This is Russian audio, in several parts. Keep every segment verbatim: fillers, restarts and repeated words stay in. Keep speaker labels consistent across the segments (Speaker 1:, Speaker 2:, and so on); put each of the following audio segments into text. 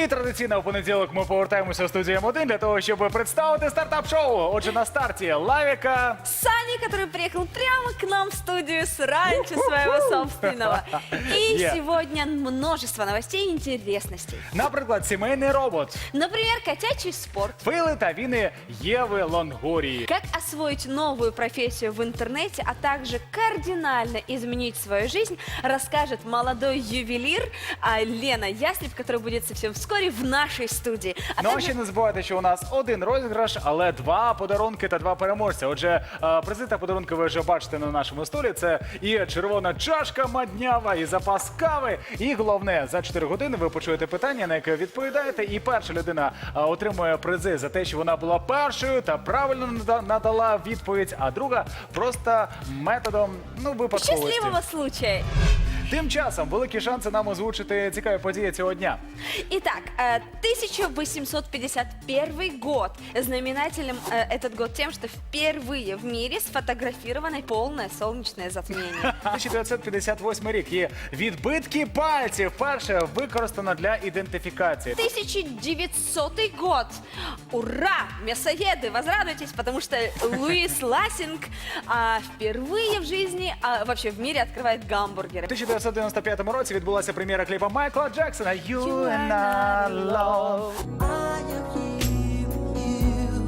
Speaker 1: традиційно в понеділок ми повертаємося в студію М один для того, щоб представити стартап-шоу. Отже, на старті Лавіка.
Speaker 2: Сани, который приехал прямо к нам в студию с ранчо своего собственного. И
Speaker 1: Yeah.
Speaker 2: сегодня множество новостей и интересностей.
Speaker 1: Наприклад, сімейний робот.
Speaker 2: Например, котячий спорт.
Speaker 1: Фейли та віни Єви Лонгорії.
Speaker 2: Как освоить новую профессию в интернете, а также кардинально изменить свою жизнь, расскажет молодой ювелир а, Лена Яслеп, которая будет совсем вскоре в нашей студии. А
Speaker 1: Ну а
Speaker 2: также
Speaker 1: ще не забувайте, що у нас один розіграш, але два подарунки та два переможця. Отже, е, призи та подарунки ви вже бачите на нашому столі. Це і червона чашка маднява, і запас кави. І головне, за чотири години ви почуєте питання, на яке відповідаєте. І перша людина е, отримує призи за те, що вона була першою та правильно нада- надала відповідь, а друга просто методом ну випадковості.
Speaker 2: счастливого случая.
Speaker 1: Тим часом великі шанси нам озвучити цікаві події цього дня.
Speaker 2: Итак, э, тысяча восемьсот пятьдесят первый год. Знаменателем э, этот год тем, что впервые в мире сфотографировано полное солнечное затмение.
Speaker 1: тисяча дев'ятсот п'ятдесят восьмий рік є відбитки пальців. Перше використано для ідентифікації.
Speaker 2: тысяча девятисотый год. Ура! Мясоеды, возрадуйтесь, потому что Луис Лассинг а, впервые в жизни, а, вообще в мире открывает гамбургеры.
Speaker 1: У тисяча дев'ятсот дев'яносто п'ятому році відбулася прем'єра кліпа Майкла Джексона «You
Speaker 2: You
Speaker 1: and
Speaker 2: are
Speaker 1: I
Speaker 2: not
Speaker 1: Love».
Speaker 2: alone.
Speaker 3: I am here with you,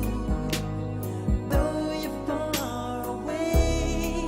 Speaker 3: though you're far away.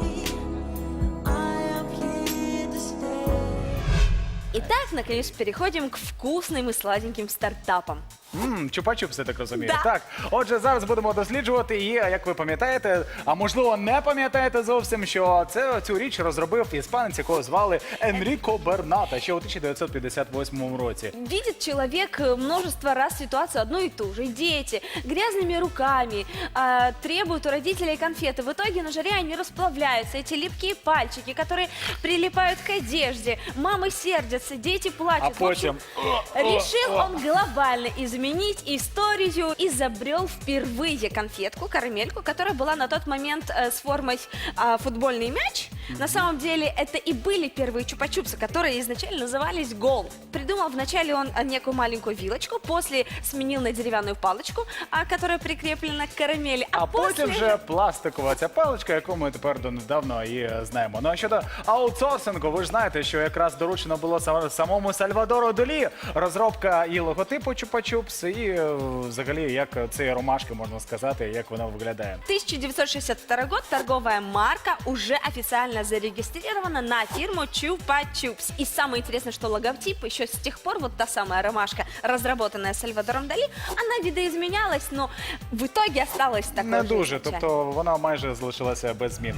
Speaker 3: I am here to stay.
Speaker 2: Итак, наконец переходим к вкусным и сладеньким стартапам.
Speaker 1: Ммм, чупа-чупс, я так розумію.
Speaker 2: Да.
Speaker 1: Так, отже, зараз будемо досліджувати і, як ви пам'ятаєте, а можливо не пам'ятаєте зовсім, що це, цю річ розробив іспанець, якого звали Енріко Берната ще у тисяча дев'ятсот п'ятдесят восьмому році.
Speaker 2: Видит человек э, множество раз ситуацию одну и ту же. Дети грязными руками а, требуют у родителей конфеты. В итоге на жаре они расплавляются. Эти липкие пальчики, которые прилипают к одежде. Мамы сердятся, дети плачут.
Speaker 1: А
Speaker 2: В общем,
Speaker 1: потім...
Speaker 2: решил он глобально изменить историю. Изобрел впервые конфетку, карамельку, которая была на тот момент э, с формой а, футбольный мяч. На самом деле это и были первые чупа-чупсы, которые изначально назывались гол. Придумал вначале он а, некую маленькую вилочку, после сменил на деревянную палочку, а, которая прикреплена к карамели.
Speaker 1: А потім
Speaker 2: после...
Speaker 1: вже пластикова ця паличка, яку ми тепер донедавна і е, знаємо. Ну а щодо аутсорсингу, ви ж знаєте, що якраз доручено було сам- самому Сальвадору Далі розробка і логотипу Чупа-Чупс, і е, взагалі як ці ромашки, можна сказати, як вона виглядає.
Speaker 2: тысяча девятьсот шестьдесят второй год торговая марка уже официально зарегистрирована на фирму Chupa Chups. И самое интересное, что логотип еще с тех пор, вот та самая ромашка, разработанная Сальвадором Дали, она видоизменялась, но в итоге осталась такой
Speaker 1: Не
Speaker 2: же
Speaker 1: дуже,
Speaker 2: изначально.
Speaker 1: тобто вона майже залишилася без змін.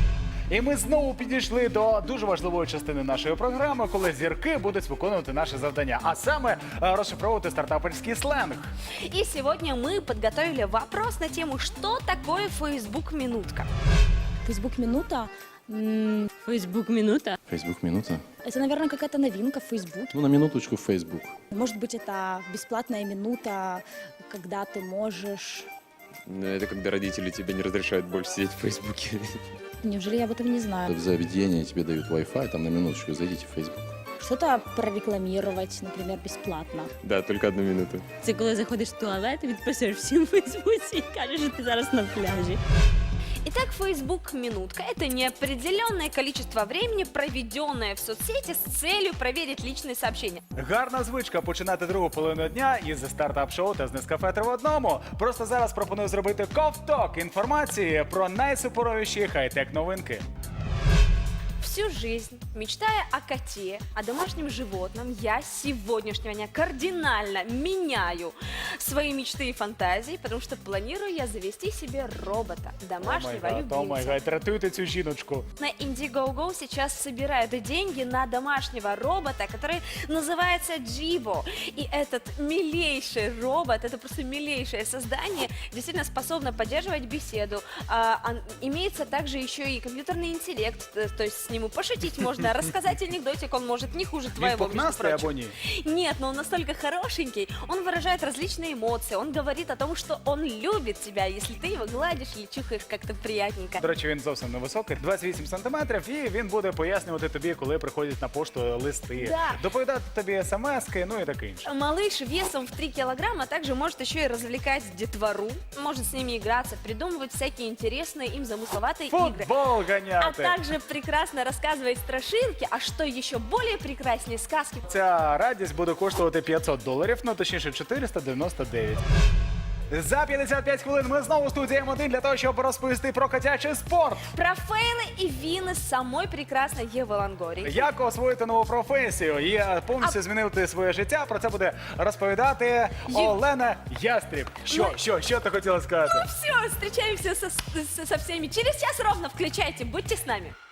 Speaker 1: І ми знову підійшли до дуже важливої частини нашої програми, коли зірки будуть виконувати наше завдання, а саме е, розшифровувати стартаперський сленг.
Speaker 2: И сегодня мы подготовили вопрос на тему, что такое Facebook Минутка.
Speaker 4: Фейсбук Минута. м,
Speaker 5: Фейсбук минута.
Speaker 6: Фейсбук минута.
Speaker 4: Это, наверное, какая-то новинка в Фейсбуке.
Speaker 6: Ну, на минуточку в Фейсбук.
Speaker 4: Может быть, это бесплатная минута, когда ты можешь...
Speaker 7: Но это когда родители тебе не разрешают больше сидеть в Фейсбуке.
Speaker 4: Неужели я об этом не знаю?
Speaker 6: В заведении тебе дают Wi-Fi, там на минуточку зайдите в Фейсбук.
Speaker 4: Что-то прорекламировать, например, бесплатно.
Speaker 7: Да, только одну минуту.
Speaker 5: Це коли заходиш в туалет, і відписуєш всім в Фейсбуці і кажеш, що ти зараз на пляжі.
Speaker 2: Итак, Facebook Минутка – это неопределенное количество времени, проведенное в соцсети с целью проверить личные сообщения.
Speaker 1: Гарна звичка починати другу половину дня із стартап-шоу та з Нескафе три в одному. Просто зараз пропоную зробити ковток інформації про найсуперовіші хай-тек новинки.
Speaker 2: Всю жизнь, мечтая о коте, о домашнем животном, я с сегодняшнего дня кардинально меняю свои мечты и фантазии, потому что планирую я завести себе робота, домашнего
Speaker 1: О май
Speaker 2: любимца.
Speaker 1: гад, рятуйте цю жіночку.
Speaker 2: На Indiegogo сейчас собирают деньги на домашнего робота, который называется Джибо. И этот милейший робот, это просто милейшее создание, действительно способно поддерживать беседу. А, он- имеется также еще и компьютерный интеллект, т- то есть с ним ему, пошутить можно, рассказать анекдотик он может не хуже
Speaker 1: Він
Speaker 2: твоего, между
Speaker 1: пухнастий
Speaker 2: прочим.
Speaker 1: або ні?
Speaker 2: Нет, но он настолько хорошенький, он выражает различные эмоции, он говорит о том, что он любит тебя, если ты его гладишь или чухаешь как-то приятненько.
Speaker 1: До речі, він зовсім невисокий, двадцять вісім сантиметрів, і він буде пояснювати тобі, коли приходять на пошту листи,
Speaker 2: Да.
Speaker 1: доповідати тобі смски, ну і таке інше.
Speaker 2: Малыш весом в три килограмма также может еще и развлекать детвору, может с ними играться, придумывать всякие интересные им замысловатые игры.
Speaker 1: Футбол
Speaker 2: А
Speaker 1: ганяти!
Speaker 2: также прекрасно рассказывает страшилки, а что еще более прекраснее сказки.
Speaker 1: Ця радість буде коштувати п'ятсот доларів, ну точніше чотириста дев'яносто дев'ять. За п'ятдесят п'ять хвилин ми знову в студії М один для того, щоб розповісти про котячий спорт.
Speaker 2: Про фейлы и вины самой прекрасной Евы Лонгории.
Speaker 1: Як освоїти нову професію і е, повністю змінити своє життя. Про це буде розповідати Олена Ястріб. Що,
Speaker 2: Ну,
Speaker 1: що, що ти хотіла сказати?
Speaker 2: Все, встречаемся со, со со всеми через час ровно. Включайте, будьте с нами.